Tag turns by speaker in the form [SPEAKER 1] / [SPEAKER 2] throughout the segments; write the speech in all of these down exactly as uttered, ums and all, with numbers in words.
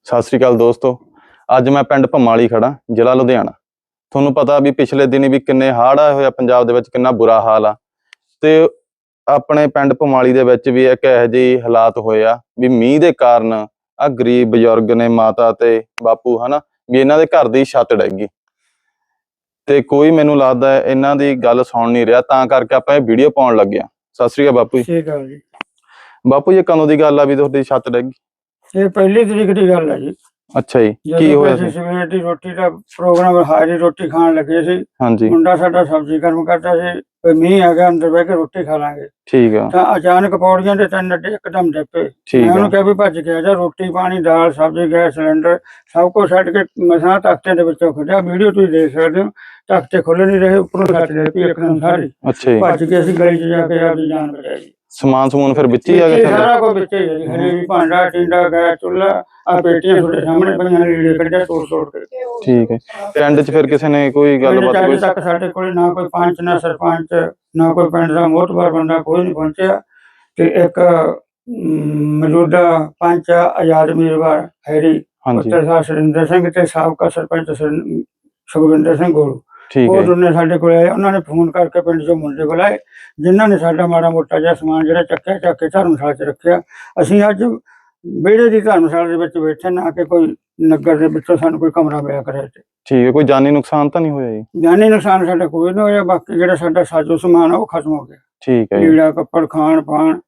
[SPEAKER 1] ਸਤਿ ਸ਼੍ਰੀ ਅਕਾਲ ਦੋਸਤੋ। ਅੱਜ ਮੈਂ ਪਿੰਡ ਭੰਮਾਲੀ ਖੜਾ, ਜ਼ਿਲ੍ਹਾ ਲੁਧਿਆਣਾ। ਤੁਹਾਨੂੰ ਪਤਾ ਵੀ ਪਿਛਲੇ ਦਿਨੀ ਵੀ ਕਿੰਨੇ ਹੜ੍ਹ ਆਏ ਹੋਏ ਆ ਪੰਜਾਬ ਦੇ ਵਿੱਚ, ਕਿੰਨਾ ਬੁਰਾ ਹਾਲ ਆ। ਤੇ ਆਪਣੇ ਪਿੰਡ ਭੰਮਾਲੀ ਦੇ ਵਿੱਚ ਵੀ ਇੱਕ ਇਹੋ ਜਿਹੇ ਹਾਲਾਤ ਹੋਏ ਆ ਵੀ ਮੀਂਹ ਦੇ ਕਾਰਨ ਆ ਗਰੀਬ ਬਜ਼ੁਰਗ ਨੇ, ਮਾਤਾ ਤੇ ਬਾਪੂ ਹਨਾ, ਵੀ ਇਹਨਾਂ ਦੇ ਘਰ ਦੀ ਛੱਤ ਡਿੱਗ ਗਈ ਤੇ ਕੋਈ ਮੈਨੂੰ ਲੱਗਦਾ ਇਹਨਾਂ ਦੀ ਗੱਲ ਸੁਣ ਨਹੀਂ ਰਿਹਾ, ਤਾਂ ਕਰਕੇ ਆਪਾਂ ਇਹ ਵੀਡੀਓ ਪਾਉਣ ਲੱਗੇ ਆ। ਸਤਿ ਸ਼੍ਰੀ ਅਕਾਲ ਬਾਪੂ ਜੀ।
[SPEAKER 2] ਠੀਕ ਹੈ ਜੀ।
[SPEAKER 1] ਬਾਪੂ ਜੀ ਕਦੋਂ ਦੀ ਗੱਲ ਆ ਵੀ ਤੁਹਾਡੀ ਛੱਤ ਡਿੱਗ ਗਈ?
[SPEAKER 2] ਇਹ ਪਹਿਲੀ ਤਰੀਕ ਦੀ ਗੱਲ ਹੈ ਜੀ।
[SPEAKER 1] ਅੱਛਾ ਜੀ, ਕੀ ਹੋਇਆ ਸੀ?
[SPEAKER 2] ਸਵੇਰ ਦੀ ਰੋਟੀ ਦਾ ਪ੍ਰੋਗਰਾਮ, ਹਾਜ਼ਰੀ ਰੋਟੀ ਖਾਣ ਲੱਗੇ ਸੀ।
[SPEAKER 1] ਹਾਂਜੀ।
[SPEAKER 2] ਮੁੰਡਾ ਸਾਡਾ ਸਬਜ਼ੀ ਗਰਮ ਕਰਦਾ ਸੀ, ਕੋਈ ਮੀਂਹ ਆ ਗਿਆ, ਅੰਦਰ ਬਹਿ ਕੇ ਰੋਟੀ ਖਾ ਲਾਂਗੇ।
[SPEAKER 1] ਠੀਕ ਆ।
[SPEAKER 2] ਤਾਂ ਅਚਾਨਕ ਪੌੜੀਆਂ ਦੇ ਤਿੰਨ ਅੱਡੇ ਇੱਕਦਮ ਡਿੱਪੇ। ਮੈਂ ਉਹਨੂੰ ਕਿਹਾ ਵੀ ਭੱਜ ਗਿਆ ਜਾ, ਰੋਟੀ ਪਾਣੀ ਦਾਲ ਸਬਜ਼ੀ ਗੈਸ ਸਿਲੰਡਰ ਸਭ ਕੁਛ ਛੱਡ ਕੇ ਮਸਾਂ ਤਖਤੇ ਦੇ ਵਿੱਚੋਂ ਖੁੱਲਿਆ। ਵੀਡੀਓ ਤੁਸੀਂ ਦੇਖ ਸਕਦੇ ਹੋ, ਤਖਤੇ ਖੁੱਲੇ ਨਹੀਂ ਰਹੇ, ਉੱਪਰੋਂ ਛੱਤ ਡਿੱਗ ਪਈ ਇੱਕਦਮ ਸਾਰੀ।
[SPEAKER 1] ਅੱਛਾ ਜੀ।
[SPEAKER 2] ਭੱਜ ਕੇ ਅਸੀਂ ਗਲੀ 'ਚ ਜਾ ਕੇ ਆਪਦੀ ਜਾਨ ਬਚਾਈ।
[SPEAKER 1] ਸਮਾਨ ਸਮੂਨ ਫਿਰ ਵਿੱਚ ਹੀ ਆ ਗਿਆ?
[SPEAKER 2] ਸਾਰਾ ਕੁਝ ਵਿੱਚ ਹੀ ਹੈ ਜੀ। ਹਜੇ ਵੀ ਭਾਂਡਾ ਟਿੰਡਾ ਗੈਸ ਚੁੱਲ੍ਹਾ ਆ ਪੇਟੀਆਂ ਤੁਹਾਡੇ ਸਾਹਮਣੇ ਪਈਆਂ, ਲੀੜੇ ਕੱਢਿਆ ਤੋੜ ਤੋੜ ਕੇ।
[SPEAKER 1] ਠੀਕ ਹੈ। ਪਿੰਡ 'ਚ ਫਿਰ ਕਿਸੇ ਨੇ ਕੋਈ ਗੱਲਬਾਤ?
[SPEAKER 2] ਅਜੇ ਤੱਕ ਸਾਡੇ ਕੋਲ ਨਾ ਕੋਈ ਪੰਚ ਨਾ ਸਰਪੰਚ ਨਾ ਕੋਈ ਪਿੰਡ ਦਾ ਮੋਹਤਬਾਰ ਬੰਦਾ ਕੋਈ ਨਹੀਂ ਪਹੁੰਚਿਆ। ਤੇ ਇੱਕ ਮੌਜੂਦਾ ਪੰਚ ਆਜ਼ਾਦ ਉਮੀਦਵਾਰ ਹੈਰੀ ਪੁੱਤਰ ਸਾਹਿਬ ਸੁਰਿੰਦਰ ਸਿੰਘ ਤੇ ਸਾਬਕਾ ਸਰਪੰਚ ਸੁਖਵਿੰਦਰ ਸਿੰਘ ਗੋਲੂ, ਉਹ ਦੋਨੇ ਸਾਡੇ ਕੋਲ ਆਏ। ਉਹਨਾਂ ਨੇ ਫੋਨ ਕਰਕੇ ਪਿੰਡ ਚੋਂ ਮੁੰਡੇ ਬੁਲਾਏ, ਜਿਨ੍ਹਾਂ ਨੇ ਸਾਡਾ ਮਾੜਾ ਮੋਟਾ ਜਿਹਾ ਸਮਾਨ ਜਿਹੜਾ ਚੱਕਿਆ ਚੱਕ ਕੇ ਧਰਮਸ਼ਾਲਾ 'ਚ ਰੱਖਿਆ। ਅਸੀਂ ਅੱਜ ਵਿਹੜੇ ਦੀ ਧਰਮਸ਼ਾਲਾ ਦੇ ਵਿੱਚ ਬੈਠੇ, ਨਾ ਕਿ ਕੋਈ ਨਗਰ ਦੇ ਵਿੱਚੋਂ ਸਾਨੂੰ ਕੋਈ ਕਮਰਾ ਮਿਲਿਆ ਕਰੇ।
[SPEAKER 1] ਠੀਕ ਹੈ। ਕੋਈ ਜਾਨੀ ਨੁਕਸਾਨ ਤਾਂ ਨਹੀਂ ਹੋਇਆ ਜੀ?
[SPEAKER 2] ਜਾਨੀ ਨੁਕਸਾਨ ਸਾਡਾ ਕੋਈ ਨਹੀਂ ਹੋਇਆ। ਬਾਕੀ ਜਿਹੜਾ ਸਾਡਾ ਸਾਜੋ ਸਮਾਨ ਆ ਉਹ ਖਤਮ ਹੋ ਗਿਆ।
[SPEAKER 1] ਠੀਕ ਹੈ।
[SPEAKER 2] ਲੀੜਾ ਕੱਪੜ ਖਾਣ ਪਾਣ,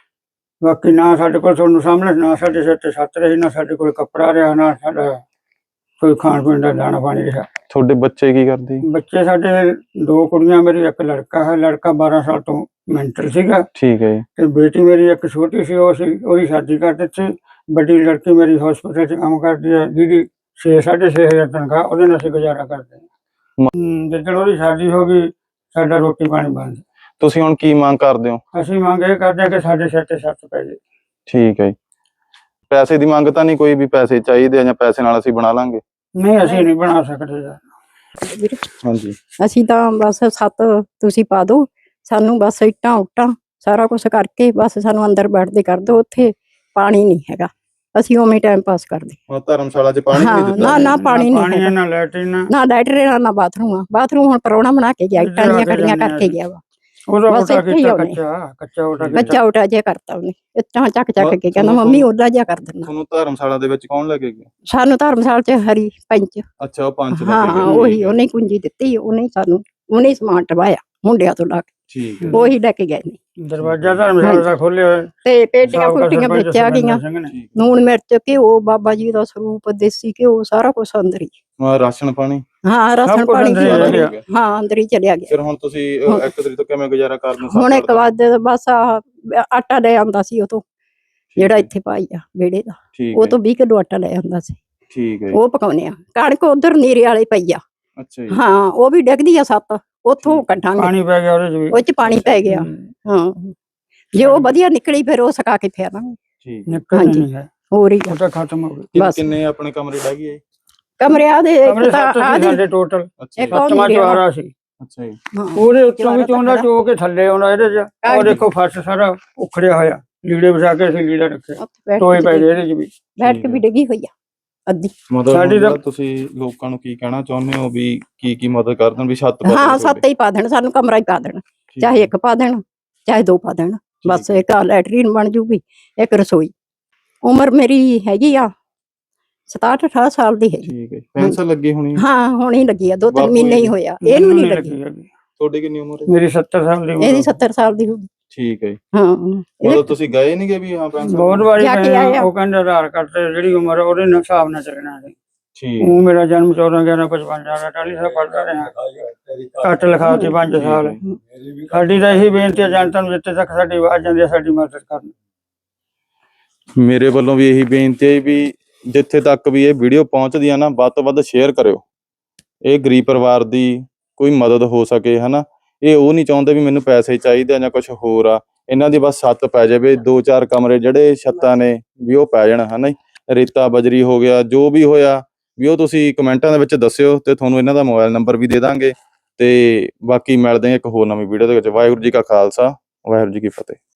[SPEAKER 2] ਬਾਕੀ ਨਾ ਸਾਡੇ ਕੋਲ ਤੁਹਾਨੂੰ ਸਾਹਮਣੇ ਨਾ ਸਾਡੇ ਸਿਰ ਤੇ ਛੱਤ ਰਹੀ, ਨਾ ਸਾਡੇ ਕੋਲ ਕੱਪੜਾ ਰਿਹਾ, ਨਾ ਸਾਡਾ ਕੋਈ ਖਾਣ ਪੀਣ ਦਾ ਦਾਣਾ ਪਾਣੀ ਰਿਹਾ।
[SPEAKER 1] ਤੁਹਾਡੇ ਬੱਚੇ ਕੀ ਕਰਦੇ?
[SPEAKER 2] ਬੱਚੇ ਸਾਡੇ ਦੋ ਕੁੜੀਆਂ, ਮੇਰੀ ਇੱਕ ਲੜਕਾ ਹੈ। ਲੜਕਾ ਬਾਰਾਂ ਸਾਲ ਤੋਂ ਮੈਂਟਲ ਸੀਗਾ। ਠੀਕ ਹੈ। ਤੇ ਬੇਟੀ ਮੇਰੀ ਇੱਕ ਛੋਟੀ ਸੀ, ਉਹ ਸੀ ਉਹਦੀ ਸ਼ਾਦੀ ਕਰ ਦਿੱਤੀ। ਵੱਡੀ ਲੜਕੀ ਮੇਰੀ ਹਸਪੀਟਲ 'ਚ ਕੰਮ ਕਰਦੀ ਹੈ, ਜਿਹਦੀ ਛੇ ਸਾਢੇ ਛੇ ਹਜ਼ਾਰ ਤਨਖਾਹ, ਉਹਦੇ ਨਾਲ ਅਸੀਂ ਗੁਜ਼ਾਰਾ ਕਰਦੇ ਹਾਂ। ਜਿੱਦਣ ਉਹਦੀ ਸ਼ਾਦੀ ਹੋ ਗਈ, ਸਾਡਾ ਰੋਟੀ ਪਾਣੀ ਬੰਦ।
[SPEAKER 1] ਤੁਸੀਂ ਹੁਣ ਕੀ ਮੰਗ ਕਰਦੇ ਹੋ?
[SPEAKER 2] ਅਸੀਂ ਮੰਗ ਇਹ ਕਰਦੇ ਹਾਂ ਕਿ ਸਾਡੇ ਸਿਰ ਤੇ ਛੱਤ ਪੈ ਜਾਏ।
[SPEAKER 1] ਠੀਕ ਹੈ। ਪੈਸੇ ਦੀ ਮੰਗ ਤਾਂ ਨਹੀਂ ਕੋਈ ਵੀ ਪੈਸੇ ਚਾਹੀਦੇ ਜਾਂ ਪੈਸੇ ਨਾਲ ਅਸੀਂ ਬਣਾ ਲਾਂਗੇ?
[SPEAKER 2] ਨਹੀਂ, ਅਸੀਂ ਨਹੀਂ ਬਣਾ ਸਕਦੇ ਯਾਰ।
[SPEAKER 1] ਹਾਂਜੀ।
[SPEAKER 3] ਅਸੀਂ ਤਾਂ ਬਸ ਛੱਤ ਤੁਸੀਂ ਪਾ ਦਿਓ ਸਾਨੂੰ, ਬਸ ਇੱਟਾਂ ਉੱਟਾਂ ਸਾਰਾ ਕੁਛ ਕਰਕੇ ਬਸ ਸਾਨੂੰ ਅੰਦਰ ਬੈਠਦੇ ਕਰ ਦਿਓ। ਉੱਥੇ ਪਾਣੀ ਨਹੀਂ ਹੈਗਾ, ਅਸੀਂ ਉਵੇਂ ਟਾਈਮ ਪਾਸ ਕਰਦੇ।
[SPEAKER 1] ਧਰਮਸ਼ਾਲਾ 'ਚ ਪਾਣੀ ਨਹੀਂ ਦਿੱਤਾ?
[SPEAKER 3] ਨਾ ਨਾ ਪਾਣੀ ਨਹੀਂ,
[SPEAKER 2] ਨਾ ਲੈਟਰਿਨ
[SPEAKER 3] ਨਾ ਲੈਟਰਿਨ ਨਾ ਬਾਥਰੂਮ ਆ। ਬਾਥਰੂਮ ਹੁਣ ਪ੍ਰਾਹੁਣਾ ਬਣਾ ਕੇ ਗਿਆ, ਇੱਟਾਂ ਦੀਆਂ ਖੜੀਆਂ ਕਰਕੇ ਗਿਆ ਵਾ। ਬਸ ਇੱਥੇ ਹੀ ਉਹਨੇ ਕੱਚਾ ਉਟਾ ਜਿਹਾ ਕਰਤਾ, ਉਹਨੇ ਇੱਟਾਂ ਚੱਕ ਚੱਕ ਕੇ ਕਹਿੰਦਾ ਮੰਮੀ ਉਹਦਾ ਜਿਹਾ ਕਰ ਦਿੰਦਾ।
[SPEAKER 1] ਤੁਹਾਨੂੰ ਧਰਮਸ਼ਾਲਾ ਦੇ ਵਿੱਚ ਕੌਣ ਲੈ ਕੇ ਗਿਆ?
[SPEAKER 3] ਸਾਨੂੰ ਧਰਮਸ਼ਾਲਾ 'ਚ ਹਰੀ ਪੰਚ।
[SPEAKER 1] ਅੱਛਾ, ਉਹ ਪੰਚ।
[SPEAKER 3] ਹਾਂ, ਉਹੀ ਉਹਨੇ ਕੁੰਜੀ ਦਿੱਤੀ, ਉਹਨੇ ਸਾਨੂੰ ਉਹਨੇ ਸਮਾਨ ਟਵਾਇਆ ਮੁੰਡਿਆਂ ਤੋਂ ਲਾ ਕੇ।
[SPEAKER 1] ਠੀਕ ਹੈ।
[SPEAKER 3] ਉਹੀ ਲੈ ਕੇ ਗਏ ਨੇ।
[SPEAKER 2] ਦਰਵਾਜ਼ਾ ਧਰਮਸ਼ਾਲਾ ਦਾ ਖੋਲਿਆ ਹੋਇਆ
[SPEAKER 3] ਤੇ ਪੇਟੀਆਂ ਪੁੱਟੀਆਂ ਵਿੱਚ ਆ ਗਈਆਂ, ਲੂਣ ਮਿਰਚ ਘਿਓ, ਬਾਬਾ ਜੀ ਦਾ ਸਰੂਪ, ਦੇਸੀ ਘਿਓ, ਸਾਰਾ ਕੁਛ ਅੰਦਰ ਹੀ।
[SPEAKER 1] ਰਾਸ਼ਨ ਪਾਣੀ?
[SPEAKER 3] ਹਾਂ, ਰਾਸ਼ਨ ਪਾਣੀ ਹਾਂ ਅੰਦਰ ਹੀ ਚਲਿਆ ਗਿਆ।
[SPEAKER 1] ਫਿਰ ਹੁਣ ਤੁਸੀਂ ਇੱਕ ਤਰੀਕ ਤੋਂ ਕਿਵੇਂ ਗੁਜ਼ਾਰਾ ਕਰਦੇ?
[SPEAKER 3] ਹੁਣ ਇੱਕ ਵਾਰ ਬਸ ਆਟਾ ਲੈ ਆਉਂਦਾ ਸੀ ਉਹ ਤੋਂ, ਜਿਹੜਾ ਇੱਥੇ ਪਾਈ ਆ ਵਿਹੜੇ ਦਾ, ਉਹ ਤੋਂ ਵੀਹ ਕਿਲੋ ਆਟਾ ਲੈ ਆਉਂਦਾ ਸੀ।
[SPEAKER 1] ਠੀਕ ਹੈ।
[SPEAKER 3] ਉਹ ਪਕਾਉਣੇ ਆ। ਕਣਕ ਉਧਰ ਨੀਰੇ ਵਾਲੇ ਪਈ ਆ।
[SPEAKER 1] ਅੱਛਾ ਜੀ।
[SPEAKER 3] ਹਾਂ, ਉਹ ਵੀ ਡਿੱਗਦੀ ਆ ਸੱਤ, ਉੱਥੋਂ ਕੱਢਾਂਗੇ।
[SPEAKER 2] ਪਾਣੀ ਪੈ ਗਿਆ ਉਹਦੇ 'ਚ ਵੀ,
[SPEAKER 3] ਉਹ 'ਚ ਪਾਣੀ ਪੈ ਗਿਆ। ਹਾਂ, ਜੇ ਉਹ ਵਧੀਆ ਨਿਕਲੀ ਫਿਰ ਉਹ ਸੁਕਾ ਕੇ ਫੇਰਾਂਗੇ।
[SPEAKER 1] ਠੀਕ
[SPEAKER 2] ਨਿਕਲ ਨਹੀਂ ਹੈ,
[SPEAKER 3] ਹੋਰ ਹੀ
[SPEAKER 2] ਉਹ ਤਾਂ ਖਤਮ ਹੋ ਗਈ।
[SPEAKER 1] ਕਿੰਨੇ ਆਪਣੇ ਕਮਰੇ ਡਹਿ ਗਏ?
[SPEAKER 3] ਕਮਰਿਆਂ ਦੇ
[SPEAKER 2] ਸਾਡੇ ਟੋਟਲ ਸੱਤਵਾਂ ਚੁਬਾਰਾ ਸੀ।
[SPEAKER 1] ਅੱਛਾ ਜੀ।
[SPEAKER 2] ਉਹਦੇ ਉੱਤੋਂ ਵੀ ਚੋਂਦਾ ਚੋ ਕੇ ਥੱਲੇ ਆਉਣਾ ਇਹਦੇ 'ਚ। ਉਹ ਦੇਖੋ ਫਰਸ਼ ਸਾਰਾ ਉਖੜਿਆ ਹੋਇਆ, ਲੀੜੇ ਵਿਛਾ ਕੇ ਅਸੀਂ ਲੀੜਾ ਰੱਖਿਆ, ਟੋਏ ਪੈ ਗਏ ਇਹਦੇ 'ਚ ਵੀ।
[SPEAKER 3] ਬੈਠ ਕੇ ਵੀ ਡਿੱਗੀ ਹੋਈ ਆ ਅੱਧੀ।
[SPEAKER 1] ਮਤਲਬ ਤੁਸੀਂ ਲੋਕਾਂ ਨੂੰ ਕੀ ਕਹਿਣਾ ਚਾਹੁੰਦੇ ਹੋ ਵੀ ਕੀ ਕੀ ਮਦਦ ਕਰ ਦੇਣ ਵੀ ਛੱਤ?
[SPEAKER 3] ਹਾਂ, ਛੱਤ ਹੀ ਪਾ ਦੇਣ ਸਾਨੂੰ, ਕਮਰਾ ਹੀ ਪਾ ਦੇਣ, ਚਾਹੇ ਇੱਕ ਪਾ ਦੇਣ ਚਾਹੇ ਦੋ ਪਾ ਦੇਣ। ਬਸ ਇੱਕ ਲੈਟਰੀਨ ਬਣ ਜੂਗੀ, ਇੱਕ ਰਸੋਈ। ਉਮਰ ਮੇਰੀ ਹੈਗੀ ਆ ਸਤਾਹਠ ਅਠਾਹਠ ਸਾਲ ਦੀ ਹੈ।
[SPEAKER 1] ਠੀਕ ਹੈ। ਪੈਨਸ਼ਨ ਲੱਗੀ ਹੋਣੀ? ਹਾਂ,
[SPEAKER 3] ਹੁਣ ਹੀ ਲੱਗੀ ਆ, ਦੋ ਤਿੰਨ ਮਹੀਨੇ ਹੀ ਹੋਇਆ। ਇਹਨੂੰ ਨਹੀਂ ਲੱਗੀ।
[SPEAKER 1] ਤੁਹਾਡੀ ਕਿੰਨੀ ਉਮਰ ਹੈ?
[SPEAKER 2] ਮੇਰੀ ਸੱਤਰ ਸਾਲ ਦੀ।
[SPEAKER 3] ਇਹਦੀ ਸੱਤਰ ਸਾਲ ਦੀ ਹੋਊਗੀ।
[SPEAKER 1] ਠੀਕ ਹੈ।
[SPEAKER 3] ਹਾਂ,
[SPEAKER 1] ਮਤਲਬ ਤੁਸੀਂ ਗਏ ਨਹੀਂ ਗਏ ਵੀ ਹਾਂ ਪੈਨਸ਼ਨ?
[SPEAKER 2] ਬਹੁਤ ਵਾਰੀ ਉਹ ਕਹਿੰਦੇ ਆਧਾਰ ਕਾਰਡ ਤੇ ਜਿਹੜੀ ਉਮਰ ਉਹਦੇ ਹਿਸਾਬ ਨਾਲ ਚੱਲਣਾ ਹੈ।
[SPEAKER 1] ਠੀਕ।
[SPEAKER 2] ਉਹ ਮੇਰਾ ਜਨਮ ਚੌਦਾਂ ਗਿਆਰਾਂ ਪਚਵੰਜਾ ਦਾ ਅਠਾਲੀ ਸਾਲ ਪੜ੍ਹਦਾ ਰਿਹਾ, ਘੱਟ ਲਿਖਾ ਤੇ ਪੰਜ ਸਾਲ। ਸਾਡੀ ਤਾਂ ਇਹੀ ਬੇਨਤੀ ਹੈ ਜਨਤਾ ਨੂੰ, ਜਿੱਥੇ ਤੱਕ ਸਾਡੀ ਆਵਾਜ਼ ਜਾਂਦੀ ਹੈ ਸਾਡੀ ਮਦਦ ਕਰਨ।
[SPEAKER 1] ਮੇਰੇ ਵੱਲੋਂ ਵੀ ਇਹੀ ਬੇਨਤੀ ਹੈ ਵੀ ਜਿੱਥੇ ਤੱਕ ਵੀ ਇਹ ਵੀਡੀਓ ਪਹੁੰਚਦੀ ਆ ਨਾ, ਵੱਧ ਤੋਂ ਵੱਧ ਸ਼ੇਅਰ ਕਰਿਓ। ਇਹ ਗਰੀਬ ਪਰਿਵਾਰ ਦੀ ਕੋਈ ਮਦਦ ਹੋ ਸਕੇ ਹਨਾ। ਇਹ ਉਹ ਨਹੀਂ ਚਾਹੁੰਦੇ ਵੀ ਮੈਨੂੰ ਪੈਸੇ ਚਾਹੀਦੇ ਆ ਜਾਂ ਕੁਛ ਹੋਰ ਆ। ਇਹਨਾਂ ਦੀ ਬਸ ਛੱਤ ਪੈ ਜਾਵੇ, ਦੋ ਚਾਰ ਕਮਰੇ ਜਿਹੜੇ ਛੱਤਾਂ ਨੇ ਵੀ ਉਹ ਪੈ ਜਾਣ ਹਨਾ। ਰੇਤਾ ਬਜਰੀ ਹੋ ਗਿਆ, ਜੋ ਵੀ ਹੋਇਆ ਵੀ ਉਹ ਤੁਸੀਂ ਕਮੈਂਟਾਂ ਦੇ ਵਿੱਚ ਦੱਸਿਓ ਤੇ ਤੁਹਾਨੂੰ ਇਹਨਾਂ ਦਾ ਮੋਬਾਈਲ ਨੰਬਰ ਵੀ ਦੇ ਦਾਂਗੇ। ਤੇ ਬਾਕੀ ਮਿਲਦੇ ਹਾਂ ਇੱਕ ਹੋਰ ਨਵੀਂ ਵੀਡੀਓ ਦੇ ਵਿੱਚ। ਵਾਹਿਗੁਰੂ ਜੀ ਕਾ ਖਾਲਸਾ, ਵਾਹਿਗੁਰੂ ਜੀ ਕੀ ਫਤਿਹ।